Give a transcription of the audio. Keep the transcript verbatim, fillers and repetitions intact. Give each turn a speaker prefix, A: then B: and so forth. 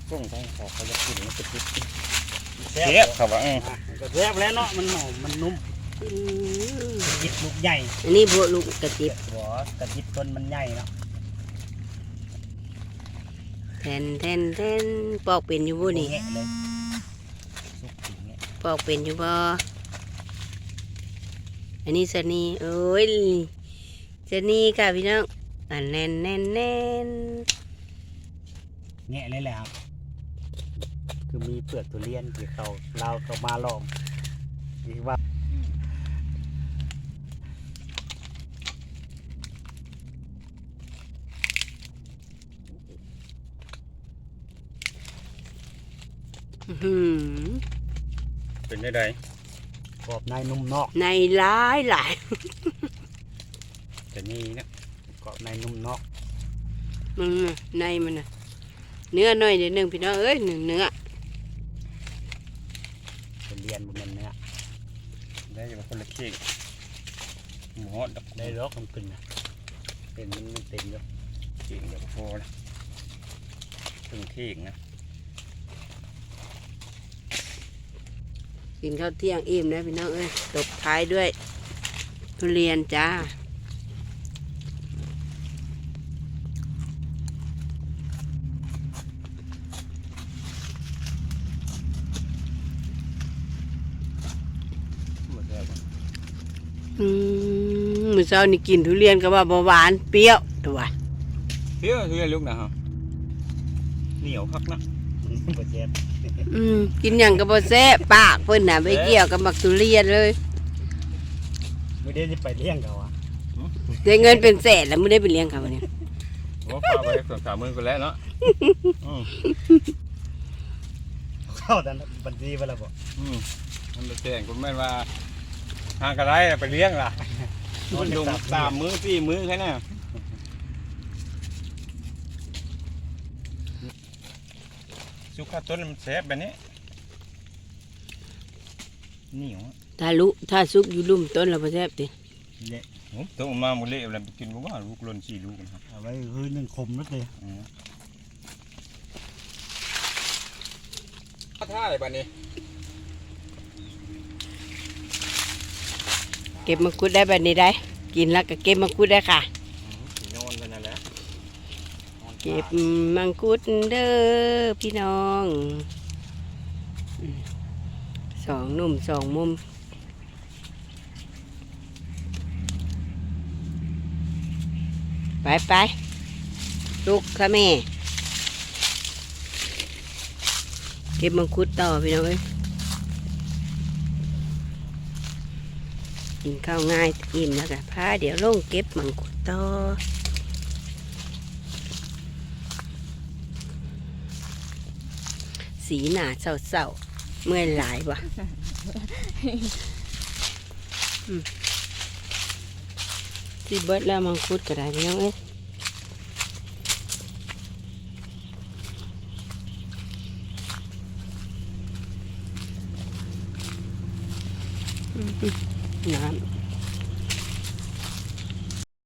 A: ส่งทางขอเขาจะกินมันจะกินแซ่
B: เจ็
A: บบ
B: เขาว่าเออ
A: ก็แซ่บแล้วเนาะมันหอมมันนุ่ม
C: อืม
A: กระยิบลูกใหญ่
C: อันนี้พวกลูกกระจิบ
A: หัวกระยิบต้นมันใหญ่เนาะ
C: แทนแทนแทนปอกเป็นอยู่บ่นี่
A: แงะเลยสุกถึงเนี่ย
C: ปอกเป็นอยู่บ่อันนี้สนีโอ้ยสนีค่ะพี่น้องอันแน่นแน่นแน่น
A: แงะเลยแหละครับคือมีเปลือกทุเรียนที่เขาเราเขามาลองดีว่า
C: อื้อหือ
B: เป็นได้ได
A: กรอบในนุ่มนอก
C: ในหลายหลาย
B: แต่นี่นะ
A: กรอบในนุ่มนอก
C: มันน่ะในมันน่ะเนื้อหน่อยเดี๋ยวหนึ่งพี่น้องเอ้ยหนึ่งเนื้อ
A: ทุเรียนบนเนื้อ
B: ได้อยู่คนละเค้กหมูฮอดดอก
A: ได้รอกมันขึ้นนะเต็มมันเต็มอยู่
B: เค้กเดี๋ยวก็พอละตึงเค้กนะ
C: กินข้าวเที่ยงอิ่มนะพี่น้องเอ้ยตบท้ายด้วยทุเรียนจ้า
B: หมดแล้ว
C: อืมมื้อเช้านี่กินทุเรียนก็ว่าบ่หวานเปรี้ยวตัว
B: เฮ้ยเฮ้ยลูกนะฮะเหนียวคักนะ
A: มันก็เจ็บ
C: อืมกินหยังก็บ่แซ่บปากเพิ่นน่ะไปเกี่ยวกับมักทุเรียนเลย
A: ไม่ได้จะไปเลี้ยงเขาอ่ะ
C: ได้เงินเป็นแสนแล้วไม่ได้ไปเลี้ยงเขาเนี่ย
B: โอ้พาไปสองสามหมื่นก็แล้วเนาะอืม
A: เข้าดันบัญชีไปแล้วบอก
B: อืมมันจะแจ้งคุณแม่ว่าหากระไรไปเลี้ยงล่ะมันดุงสามมื้อสี่มื้อแค่นั้นสุขาต้นมันแซ่บแบบนี้เหนียว
C: ถ้าลุถ้าซุกอยู่ลุ่มต้นเราบ่แซ่บติ
A: เละ
B: โอ้ตัวมาหมดเละแล้วไปกินบ่ว่าลูกหล่นสี่ลูกนะครับ
A: เอาไว้คือหนึ่งคมนัดเลย
B: อืมท่าอะไรบ้านี้
C: เก็บมังคุดได้แบบนี้ได้ กินแล้วก็เก็บมังคุดได้ค่ะ
B: สีนอนกันนั่นแหละ
C: เก็บมังคุดเด้อพี่น้องอืมสองหนุ่มสองมุมไปไปลูกค่ะแม่เก็บมังคุดต่อพี่น้องเอ้ยกินข้าวง่ายอิ่มแล้วกันพาเดี๋ยวลงเก็บมังคุดต่อสีหนาเศร้าๆเมื่อยหลายว่ะอืมที่เบิดแล้วมังคุดก็ได้พี่น้องเอ้ยอืมน้ำ